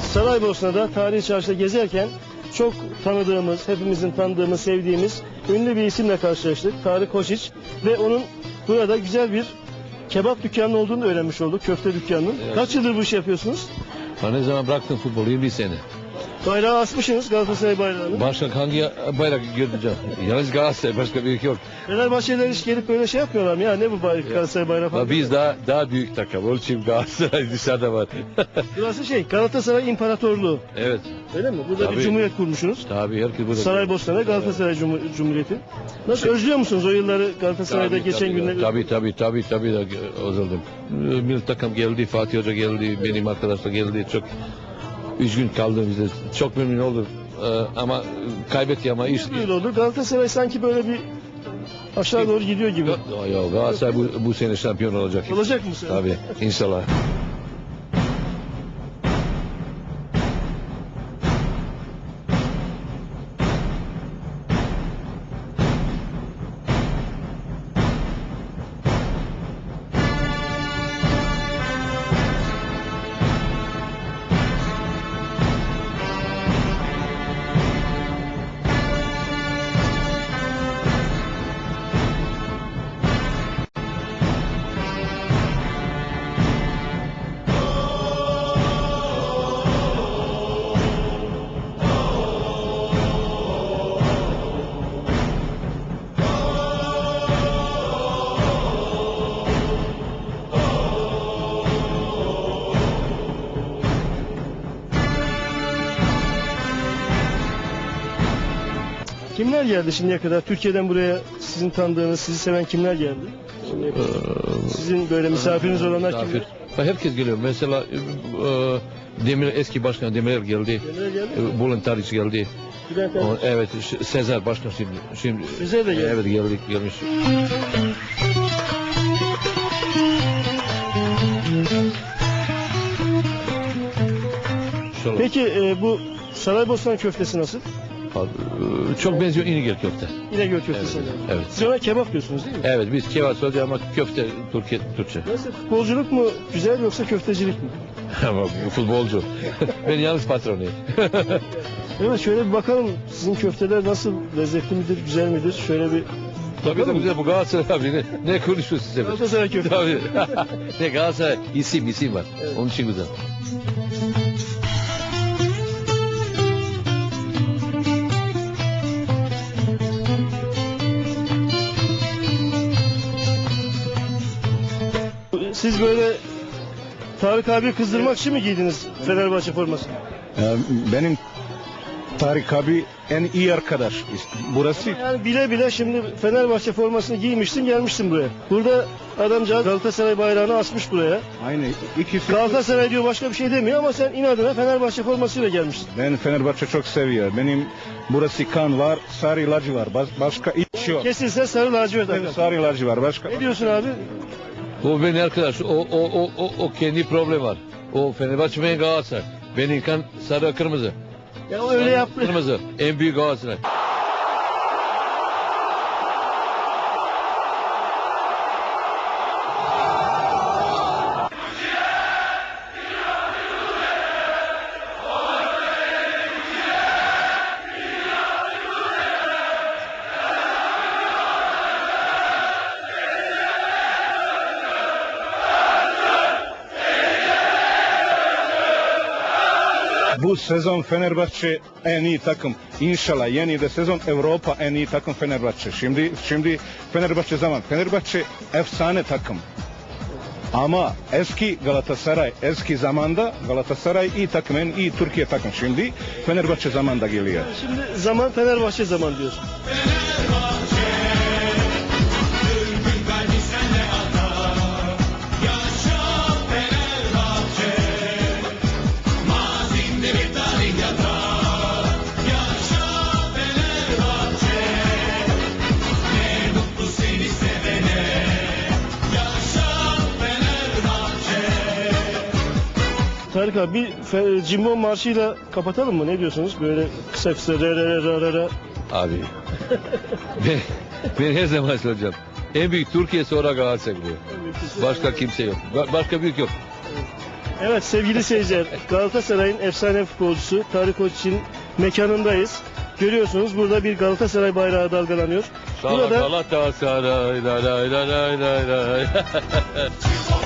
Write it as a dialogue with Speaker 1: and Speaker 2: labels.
Speaker 1: Saraybosna'da tarihi çarşıda gezerken çok tanıdığımız, hepimizin tanıdığımız, sevdiğimiz ünlü bir isimle karşılaştık. Tarık Koçiç ve onun burada güzel bir kebap dükkanı olduğunu öğrenmiş olduk. Köfte dükkanının.
Speaker 2: Evet.
Speaker 1: Kaç yıldır bu işi yapıyorsunuz?
Speaker 2: Ben ne zaman bıraktım futbolu? 20 sene.
Speaker 1: Bayrağı asmışsınız, Galatasaray bayrağını.
Speaker 2: Başka hangi bayrak göreceğim? Yalnız Galatasaray, başka büyük yok.
Speaker 1: Fenerbahçeliler hiç gelip böyle şey yapmıyorlar mı? Ya ne bu bayrak, Galatasaray bayrağı falan?
Speaker 2: Biz daha büyük takım. Onun için Galatasaray dışarıda var.
Speaker 1: Burası Galatasaray İmparatorluğu.
Speaker 2: Evet.
Speaker 1: Öyle mi? Burada bir
Speaker 2: Tabii.
Speaker 1: cumhuriyet kurmuşsunuz.
Speaker 2: Tabii herkes burada.
Speaker 1: Saraybosna'da Galatasaray Cumhuriyeti. Nasıl özlüyor musunuz o yılları Galatasaray'da geçen günleri?
Speaker 2: Tabii de özledim. Milli takım geldi, Fatih Hoca geldi, benim arkadaşlar geldi. Çok üzgün kaldım bizde. Çok memnun oldum. Ama kaybetti ama iş.
Speaker 1: Böyle oldu. Galatasaray sanki böyle bir aşağı doğru gidiyor gibi.
Speaker 2: Yok Galatasaray bu sene şampiyon olacak.
Speaker 1: Olacak mı sen?
Speaker 2: Tabii inşallah.
Speaker 1: Kimler geldi şimdiye kadar? Türkiye'den buraya sizin tanıdığınız, sizi seven kimler geldi? Şimdiye kadar? Sizin böyle misafiriniz olanlar kimler?
Speaker 2: Herkes geliyor. Mesela eski başkan Demirel geldi.
Speaker 1: Kimler geldi?
Speaker 2: Bülent Arıç geldi.
Speaker 1: Bülent Arıç.
Speaker 2: Evet, Sezer başkan şimdi.
Speaker 1: Sezer de geldi.
Speaker 2: Evet gelmiş. İnşallah.
Speaker 1: Peki bu Saraybosna köftesi nasıl?
Speaker 2: Çok benziyor İnegöl köfte.
Speaker 1: İnegöl köftesi.
Speaker 2: Evet.
Speaker 1: Siz ona kebap diyorsunuz değil mi?
Speaker 2: Evet biz kebap söylüyoruz ama köfte Türkçe.
Speaker 1: Nasıl? Futbolculuk mu güzel yoksa köftecilik mi?
Speaker 2: Ama bu futbolcu. Ben yalnız patronuyum.
Speaker 1: Evet, şöyle bir bakalım. Sizin köfteler nasıl? Lezzetli midir, güzel midir? Şöyle bir
Speaker 2: Tabii de güzel bu Galatasaray abi ne konuşuyorsun sen?
Speaker 1: Galatasaray köftesi.
Speaker 2: Tabii. Ne Galatasaray isim var.
Speaker 1: Evet.
Speaker 2: Onun için güzel.
Speaker 1: Siz böyle Tarık abi kızdırmak için mi giydiniz Fenerbahçe formasını?
Speaker 3: Benim Tarık abi en iyi arkadaş. Burası
Speaker 1: Yani bile bile şimdi Fenerbahçe formasını giymişsin, gelmişsin buraya. Burada adamcağız Galatasaray bayrağını asmış buraya.
Speaker 3: aynı ikisi.
Speaker 1: Galatasaray diyor, başka bir şey demiyor ama sen inadına Fenerbahçe formasıyla gelmişsin.
Speaker 3: Ben Fenerbahçe çok seviyor. Benim burası kan var, sarı lacı var. Başka hiç yok.
Speaker 1: Kesilse sarı lacivert
Speaker 3: Benim
Speaker 1: akar.
Speaker 3: sarı lacı var. Başka.
Speaker 1: Ne diyorsun abi?
Speaker 2: O benim arkadaş. O kendi problem var. O Fenerbahçe benim Galatasaray. Benim kan sarı kırmızı.
Speaker 1: Ya o öyle yaptı.
Speaker 2: Kırmızı. En büyük Galatasaray.
Speaker 3: Bu sezon Fenerbahçe en iyi takım. İnşallah yeni de sezon Avrupa en iyi takım Fenerbahçe. Şimdi Fenerbahçe zaman. Fenerbahçe efsane takım. Ama eski Galatasaray, eski zamanda Galatasaray iyi takım, en iyi Türkiye takım. Şimdi Fenerbahçe zamanda geliyor.
Speaker 1: Şimdi zaman Fenerbahçe zaman diyorsun. Tarık abi bir cimbom marşıyla kapatalım mı? Ne diyorsunuz? Böyle kısa kısa re re re ra ra ra.
Speaker 2: Abi. ben her zaman söyleyeceğim. En büyük Türkiye sonra Galatasaray diyor. Başka kimse yok. Başka büyük yok.
Speaker 1: Evet sevgili seyirciler, Galatasaray'ın efsane futbolcusu Tarık Koç'un mekanındayız. Görüyorsunuz burada bir Galatasaray bayrağı dalgalanıyor. Burada
Speaker 2: Galatasaray, lay lay lay lay lay lay.